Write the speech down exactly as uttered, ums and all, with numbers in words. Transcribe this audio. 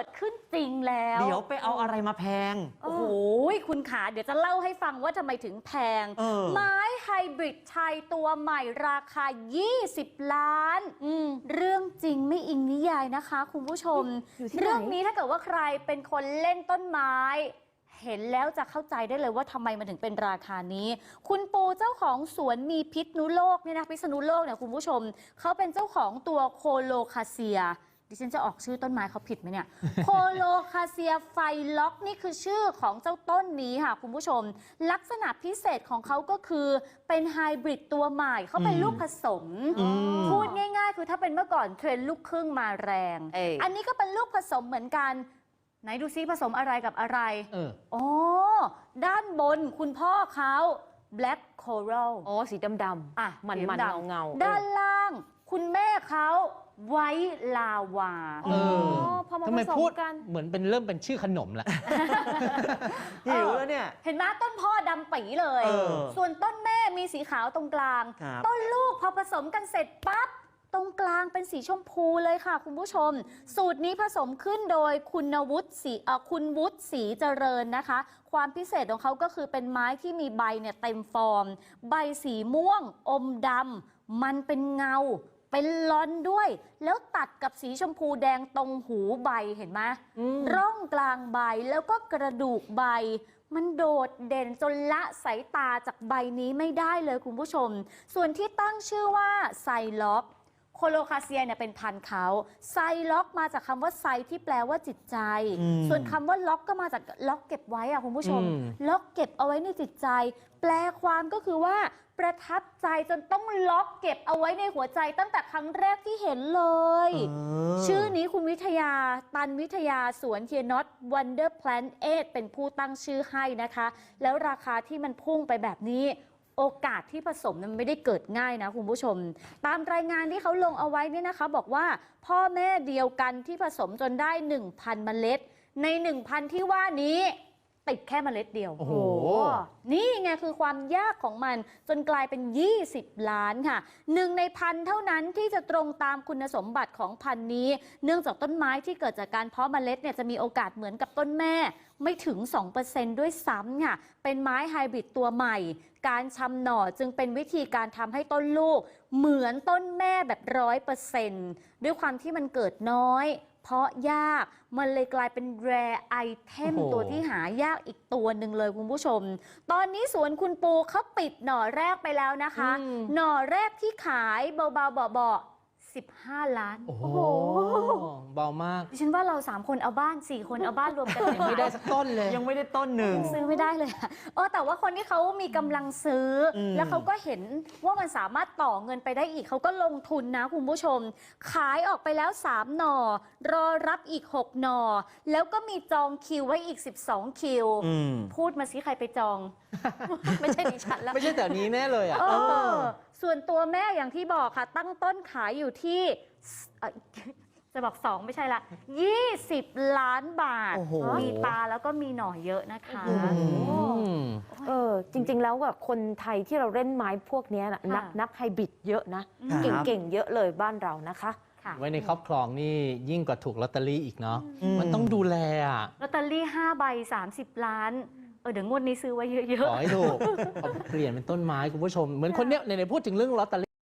ดขึ้นจริงแล้วเดี๋ยวไปเอาอะไรมาแพงโอ้โหคุณขาเดี๋ยวจะเล่าให้ฟังว่าทำไมถึงแพงไม้ไฮบริดไทยตัวใหม่ราคายี่สิบล้านเรื่องจริงไม่อิงนิยายนะคะคุณผู้ชมเรื่องนี้ถ้าเกิดว่าใครเป็นคนเล่นต้นไม้เห็นแล้วจะเข้าใจได้เลยว่าทำไมมันถึงเป็นราคานี้คุณปูเจ้าของสวนมีพิษณุโลกเนี่ยนะพิษณุโลกเนี่ยคุณผู้ชมเขาเป็นเจ้าของตัวโคโลคาเซียดิฉันจะออกชื่อต้นไม้เขาผิดไหมเนี่ยโคโลคาเซียไฟล็อกนี่คือชื่อของเจ้าต้นนี้ค่ะคุณผู้ชมลักษณะพิเศษของเขาก็คือเป็นไฮบริดตัวใหม่เขาเป็นลูกผสมพูดง่ายๆคือถ้าเป็นเมื่อก่อนเทรนด์ลูกครึ่งมาแรงอันนี้ก็เป็นลูกผสมเหมือนกันไหนดูซิผสมอะไรกับอะไรเอออ๋อด้านบนคุณพ่อเขา black coral อ๋อสีดำๆอ่ะมันมันเงาเงาด้านล่างคุณแม่เขาไว้ลาวาเออพอมาผสมกันเหมือนเป็นเริ่มเป็นชื่อขนมละหิวแล้วเนี่ยเห็นไหมต้นพ่อดำปีเลยส่วนต้นแม่มีสีขาวตรงกลางต้นลูกพอผสมกันเสร็จปั๊บตรงกลางเป็นสีชมพูเลยค่ะคุณผู้ชมสูตรนี้ผสมขึ้นโดยคุณวุฒิศรีคุณวุฒิศรีเจริญนะคะความพิเศษของเขาก็คือเป็นไม้ที่มีใบเนี่ยเต็มฟอร์มใบสีม่วงอมดำมันเป็นเงาเป็นลอนด้วยแล้วตัดกับสีชมพูแดงตรงหูใบเห็นไหมร่องกลางใบแล้วก็กระดูกใบมันโดดเด่นจนละสายตาจากใบนี้ไม่ได้เลยคุณผู้ชมส่วนที่ตั้งชื่อว่าไซล็อกโคโลคาเซียเนี่ยเป็นพันธุ์เขาไซล็อกมาจากคำว่าไซที่แปลว่าจิตใจส่วนคำว่าล็อกก็มาจากล็อกเก็บไว้อะคุณผู้ชมล็อกเก็บเอาไว้ในจิตใจแปลความก็คือว่าประทับใจจนต้องล็อกเก็บเอาไว้ในหัวใจตั้งแต่ครั้งแรกที่เห็นเลยชื่อนี้คุณวิทยาตันวิทยาสวนเทียนอตวันเดอร์แพลนเอทเป็นผู้ตั้งชื่อให้นะคะแล้วราคาที่มันพุ่งไปแบบนี้โอกาสที่ผสมมันไม่ได้เกิดง่ายนะคุณผู้ชมตามรายงานที่เขาลงเอาไว้เนี่ยนะคะบอกว่าพ่อแม่เดียวกันที่ผสมจนได้ หนึ่งพัน เมล็ดใน หนึ่งพัน ที่ว่านี้ติดแค่เมล็ดเดียวโอ้โหนี่ไงคือความยากของมันจนกลายเป็นยี่สิบล้านค่ะหนึ่งในพันเท่านั้นที่จะตรงตามคุณสมบัติของพันนี้เนื่องจากต้นไม้ที่เกิดจากการเพาะเมล็ดเนี่ยจะมีโอกาสเหมือนกับต้นแม่ไม่ถึง สองเปอร์เซ็นต์ ด้วยซ้ำค่ะเป็นไม้ไฮบริดตัวใหม่การชำหน่อจึงเป็นวิธีการทำให้ต้นลูกเหมือนต้นแม่แบบร้อยเปอร์เซ็นต์ด้วยความที่มันเกิดน้อยเพราะยากมันเลยกลายเป็นแรร์ไอเทมตัวที่หายากอีกตัวหนึ่งเลยคุณผู้ชมตอนนี้สวนคุณปูเขาปิดหน่อแรกไปแล้วนะคะหน่อแรกที่ขายเบาๆเบาๆสิบห้าล้านโอ้โหเบามากดิฉันว่าเราสามคนเอาบ้านสี่คนเอาบ้านรวมกันยังไม่ได้สักต้นเลยยังไม่ได้ต้นหนึ่งซื้อไม่ได้เลยเออแต่ว่าคนที่เขามีกำลังซื้อแล้วเขาก็เห็นว่ามันสามารถต่อเงินไปได้อีกเขาก็ลงทุนนะคุณผู้ชมขายออกไปแล้วสามหน่อรอรับอีกหกหน่อแล้วก็มีจองคิวไว้อีกสิบสองคิวพูดมาสิใครไปจองไม่ใช่ดิฉันแล้วไม่ใช่แต่นี้แน่เลยอ่ะส่วนตัวแม่อย่างที่บอกค่ะตั้งต้นขายอยู่ที่จะบอกสองไม่ใช่ละยี่สิบล้านบาทมีตาแล้วก็มีหน่อเยอะนะคะเออจริงๆแล้วแบบคนไทยที่เราเล่นไม้พวกนี้นักนักไฮบริดเยอะนะเก่งๆเยอะเลยบ้านเรานะคะไว้ในครอบครองนี่ยิ่งกว่าถูกลอตเตอรี่อีกเนาะมันต้องดูแลอ่ะลอตเตอรี่ห้าใบสามสิบล้านเออเดี๋ยวงวดนี้ซื้อไว้เยอะๆขอให้ถูกเปลี่ยนเป็นต้นไม้คุณผู้ชมเหมือนคนเนี้ยในพูดถึงเรื่องลอตเตอรี่